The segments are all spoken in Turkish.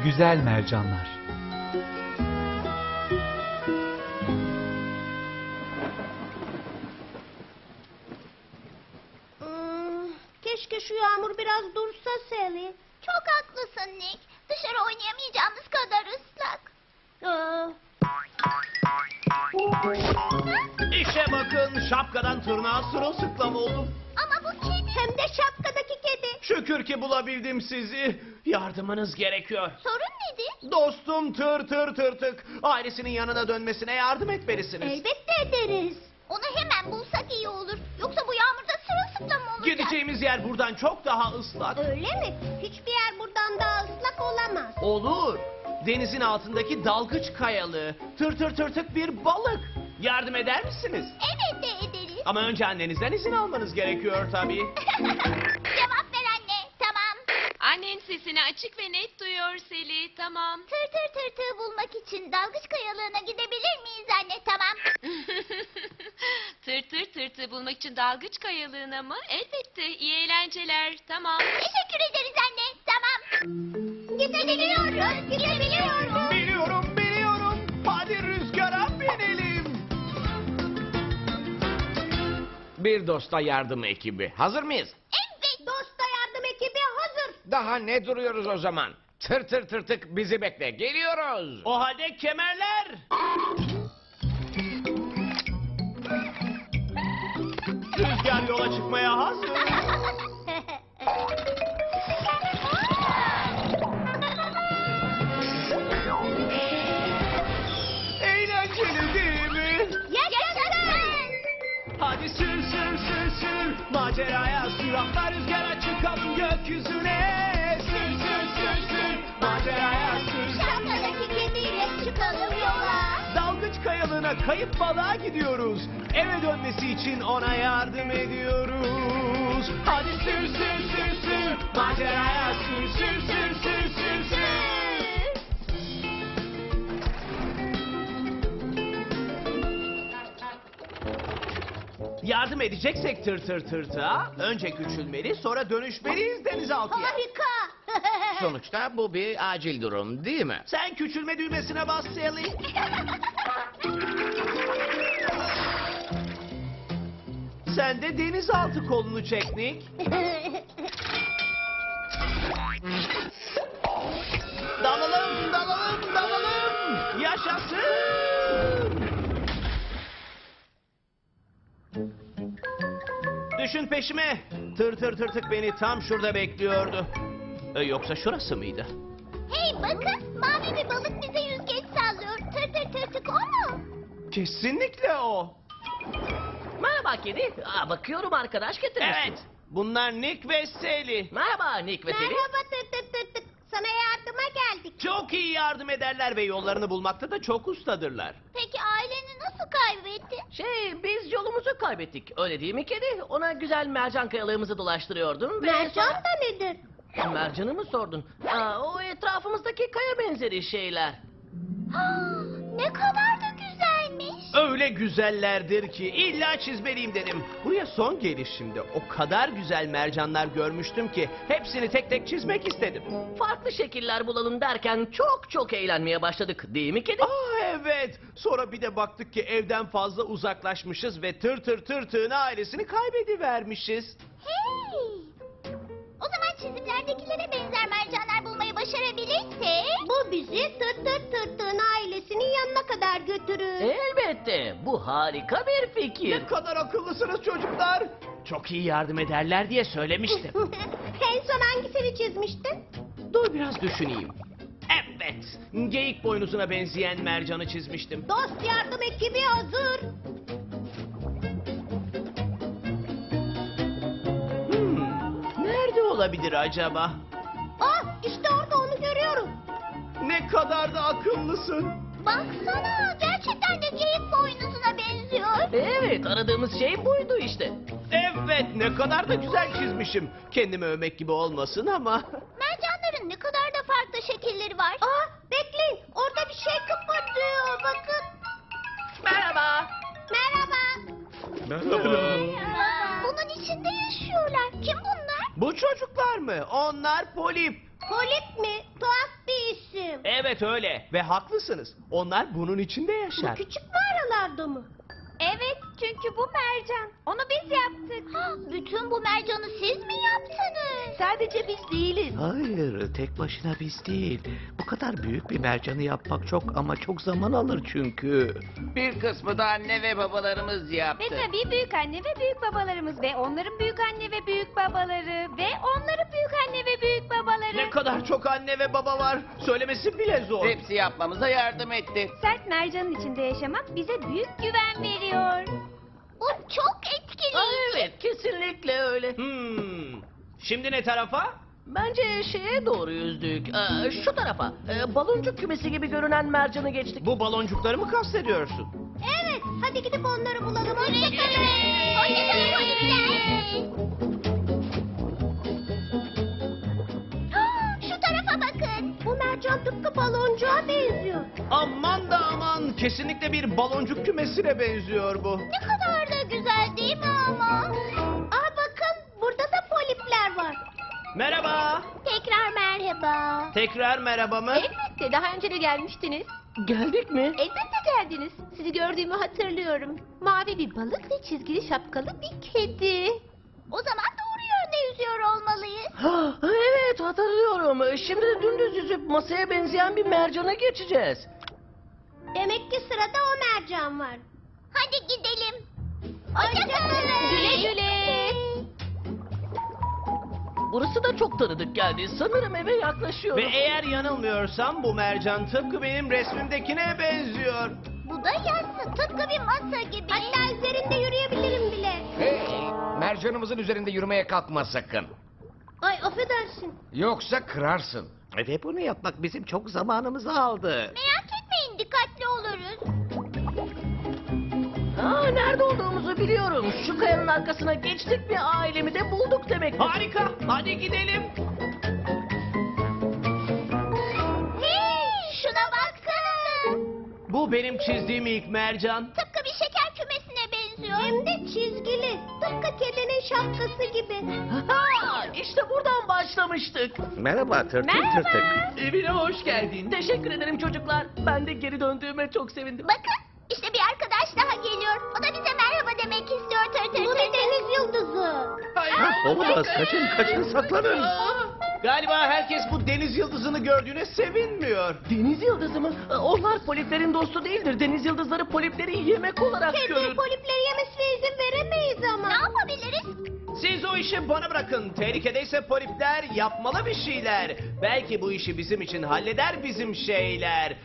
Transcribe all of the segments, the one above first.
güzel mercanlar. Keşke şu yağmur biraz dursa Sally. Çok haklısın Nick. Dışarı oynayamayacağımız kadar ıslak. İşe bakın, şapkadan tırnağa sırılsıklam oldum. Ama bu kedi. Hem de şapkadaki kedi. Şükür ki bulabildim sizi. Yardımınız gerekiyor. Sorun nedir? Dostum tır tır tırtık. Ailesinin yanına dönmesine yardım etmelisiniz. Elbette ederiz. Onu hemen bulsak iyi olur. Yoksa bu yağmurda sırılsıklam olacak. Gideceğimiz yer buradan çok daha ıslak. Öyle mi? Hiçbir yer buradan daha ıslak olamaz. Olur. Denizin altındaki dalgıç kayalı, tır tır tırtık bir balık. Yardım eder misiniz? Evet de ederiz. Ama önce annenizden izin almanız gerekiyor tabii. Cevap ver anne. Tamam. Annen sesini açık ve net duyuyor Seli. Tamam. Tır tırtığı bulmak için dalgıç kayalığına gidebilir miyiz anne? Tamam. Tırtı bulmak için dalgıç kayalığına mı? Elbette. İyi eğlenceler. Tamam. Teşekkür ederiz anne. Tamam. Gidebiliyoruz. Gidebiliyoruz. Biliyorum. Hadi rüzgara binelim. Bir dosta yardım ekibi. Hazır mıyız? Evet. Dosta yardım ekibi hazır. Daha ne duruyoruz o zaman? Tır tır tırtık bizi bekle. Geliyoruz. O halde kemerler. Rüzgar yola çıkmaya hazır. Eğlenceli değil mi? Yaşasın. Hadi sür. Maceraya sür. Atla rüzgara çıkalım gökyüzüne. Sür. Maceraya sür. Şapkadaki kediyle çıkalım yola. Dalgıç kayalığına kayıp balığa gidiyoruz. Eve dönmesi için ona yardım ediyoruz. Hadi sür. Maceraya sür. Yardım edeceksek tırtığa önce küçülmeli sonra dönüşmeliyiz denizaltıya. Harika. Sonuçta bu bir acil durum değil mi? Sen küçülme düğmesine bas Sally. Sen de denizaltı kolunu çek Nick. Dalalım. Yaşasın. Düşün peşime. Tırtık beni tam şurada bekliyordu. Yoksa şurası mıydı? Hey bakın, mavi bir balık bize yüzgeç sallıyor. Tırtık o mu? Kesinlikle o. Merhaba kedi. Bakıyorum arkadaş getirmişsin. Evet. Bunlar Nick ve Sally. Merhaba Nick ve Sally. Merhaba tırtık. Sana yardıma geldik. Çok iyi yardım ederler ve yollarını bulmakta da çok ustadırlar. Peki aileni nasıl kaybetti? Biz yolumuzu kaybettik. Öyle değil mi kedi? Ona güzel mercan kayalığımızı dolaştırıyordum. ve Mercan sonra- da nedir? Mercanı mı sordun? O etrafımızdaki kaya benzeri şeyler. Ne kadar da güzelmiş. Öyle güzellerdir ki illa çizmeliyim dedim. Buraya son gelişimde o kadar güzel mercanlar görmüştüm ki hepsini tek tek çizmek istedim. Farklı şekiller bulalım derken çok eğlenmeye başladık. Değil mi kedi? Evet. Sonra bir de baktık ki evden fazla uzaklaşmışız ve tırtığın ailesini kaybedivermişiz. Hey! O zaman çizimlerdekilere benzer mercanlar bulmayı başarabilirsek... Bu bizi tırtığın ailesinin yanına kadar götürür. Elbette. Bu harika bir fikir. Ne kadar akıllısınız çocuklar. Çok iyi yardım ederler diye söylemiştim. En son hangisini çizmiştin? Dur biraz düşüneyim. Evet. Geyik boynuzuna benzeyen mercanı çizmiştim. Dost yardım ekibi hazır. Nerede olabilir acaba? İşte orada onu görüyorum. Ne kadar da akıllısın. Baksana, gerçekten de geyik boynuzuna benziyor. Evet, aradığımız şey buydu işte. Evet, ne kadar da güzel çizmişim. Kendimi övmek gibi olmasın ama. Mercanların ne kadar da farklı şekilleri var. Bekleyin, orada bir şey kıpırdıyor, bakın. Merhaba. Merhaba. Bunun içinde yaşıyorlar. Kim bunlar? Bu çocuklar mı? Onlar polip. Polip mi? Tuhaf bir isim. Evet öyle ve haklısınız. Onlar bunun içinde Bu yaşar. küçük mağaralarda mı? Evet, çünkü bu mercan. Onu biz yaptık. Bütün bu mercanı siz mi yaptınız? Sadece biz değiliz. Hayır, tek başına biz değil. Bu kadar büyük bir mercanı yapmak çok ama çok zaman alır çünkü. Bir kısmı da anne ve babalarımız yaptı. Ve tabii büyük anne ve büyük babalarımız ve onların büyük anne ve büyük babaları ve onların büyük anne ve büyük babaları. Ne kadar çok anne ve baba var. Söylemesi bile zor. Hepsi yapmamıza yardım etti. Sert mercanın içinde yaşamak bize büyük güven veriyor. Bu çok etkileyici. Evet, kesinlikle öyle. Şimdi ne tarafa? Bence şeye doğru yüzdük. Şu tarafa. Baloncuk kümesi gibi görünen mercanı geçtik. Bu baloncukları mı kastediyorsun? Evet, hadi gidip onları bulalım. Hoşçakalın. Hoşçakalın polisler. Şu tarafa bakın. Bu mercan tıpkı baloncuğa benziyor. Aman da aman. Kesinlikle bir baloncuk kümesine benziyor bu. Ne kadar da güzel değil mi ama? Aa bakın, burada da polipler var. Merhaba. Tekrar merhaba. Tekrar merhaba mı? Elbette, daha önce de gelmiştiniz. Geldik mi? Elbette geldiniz. Sizi gördüğümü hatırlıyorum. Mavi bir balık ve çizgili şapkalı bir kedi. O zaman doğru yönde yüzüyor olmalıyız. Evet, hatırlıyorum. Şimdi de dümdüz yüzüp masaya benzeyen bir mercana geçeceğiz. Demek ki sırada o mercan var. Hadi gidelim. Hoşçakalın. Güle güle. Burası da çok tanıdık geldi. Sanırım eve Ve yaklaşıyorum. eğer yanılmıyorsam bu mercan tıpkı benim resmimdekine benziyor. Bu da yassı, tıpkı bir masa gibi. Hatta üzerinde yürüyebilirim bile. Hey, mercanımızın üzerinde yürümeye kalkma sakın. Ay affedersin. Yoksa kırarsın. Ve bunu yapmak bizim çok zamanımızı aldı. Merak etmeyin, dikkatli oluruz. Nerede olduğumuzu biliyorum. Şu kayanın arkasına geçtik ve ailemi de bulduk demek. Harika. Hadi gidelim. Hey, şuna bakın. Bu benim çizdiğim ilk mercan. Tıpkı bir şeker kümesine benziyor. Hem de çizgili. Tıpkı kedinin şapkası gibi. İşte buradan başlamıştık. Merhaba tırtık tırtık. Evine hoş geldin. Teşekkür ederim çocuklar. Ben de geri döndüğüme çok sevindim. Bakın, işte bir arkadaş daha geliyor. O da bize merhaba demek istiyor tır tır Bu tır. bir deniz yıldızı. Olamaz, kaçın saklanın. Galiba herkes bu deniz yıldızını gördüğüne sevinmiyor. Deniz yıldızı mı? Onlar poliplerin dostu değildir. Deniz yıldızları polipleri yemek olarak Kedi görür. polipleri yemesine izin veremeyiz ama. Ne yapabiliriz? Siz o işi bana bırakın. Tehlikedeyse polipler yapmalı bir şeyler. Belki bu işi bizim için halleder bizim şeyler.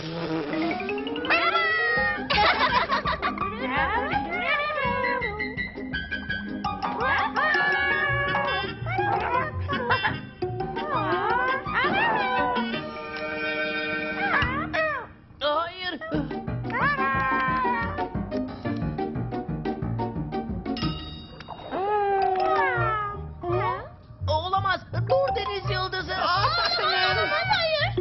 Hayır. Olamaz. Dur deniz yıldızı. Hayır.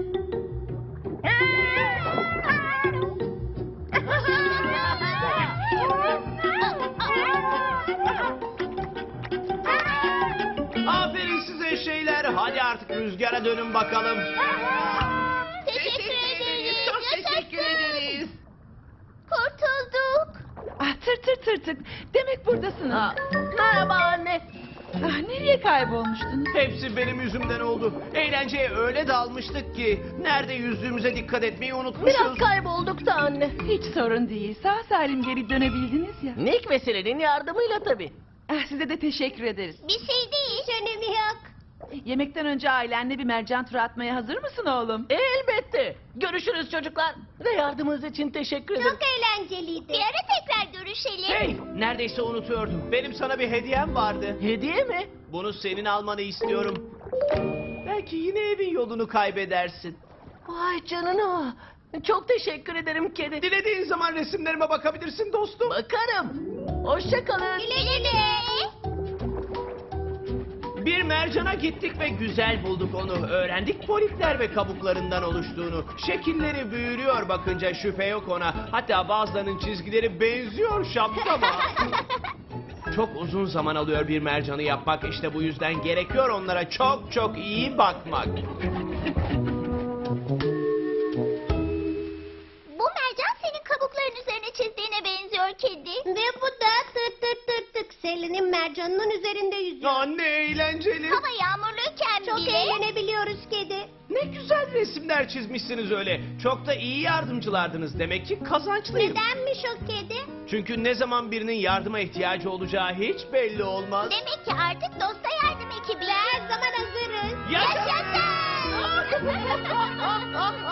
Aferin size şeyler. Hadi artık rüzgara dönün bakalım. Teşekkür ederiz. Çok teşekkür ederiz. Kurtulduk. Ah tır. Demek buradasınız. Merhaba anne. Ah, nereye kaybolmuştunuz? Hepsi benim yüzümden oldu. Eğlenceye öyle dalmıştık ki nerede yüzdüğümüze dikkat etmeyi Biraz unutmuşuz. kaybolduk da anne. Hiç sorun değil. Sağ salim geri dönebildiniz ya. Nick ve Selen'in yardımıyla tabii. Ah, size de teşekkür ederiz. Bir şey değil. Hiç önemi yok. Yemekten önce ailenle bir mercan turu atmaya hazır mısın oğlum? Elbette. Görüşürüz çocuklar. Ve yardımınız için teşekkür ederim. Çok eğlenceliydi. Bir ara tekrar görüşelim. Hey, neredeyse unutuyordum. Benim sana bir hediyem vardı. Hediye mi? Bunu senin almanı istiyorum. Belki yine evin yolunu kaybedersin. Vay canına. Çok teşekkür ederim kedi. Dilediğin zaman resimlerime bakabilirsin dostum. Bakarım. Hoşça kalın. Güle güle. Bir mercana gittik ve güzel bulduk onu. Öğrendik polipler ve kabuklarından oluştuğunu. Şekilleri büyülüyor bakınca, şüphe yok ona. Hatta bazılarının çizgileri benziyor şapkama. Çok uzun zaman alıyor bir mercanı yapmak. İşte bu yüzden gerekiyor onlara çok iyi bakmak. Kızım mercanının üzerinde yüzüyor. Anne eğlenceli. Hava yağmurluyken çok eğlenebiliyoruz kedi. Ne güzel resimler çizmişsiniz öyle. Çok da iyi yardımcılardınız. Demek ki kazançlıyım. Nedenmiş o kedi? Çünkü ne zaman birinin yardıma ihtiyacı olacağı hiç belli olmaz. Demek ki artık dosta yardım ekibi. Her zaman hazırız. Yaşasın! Yaşasın!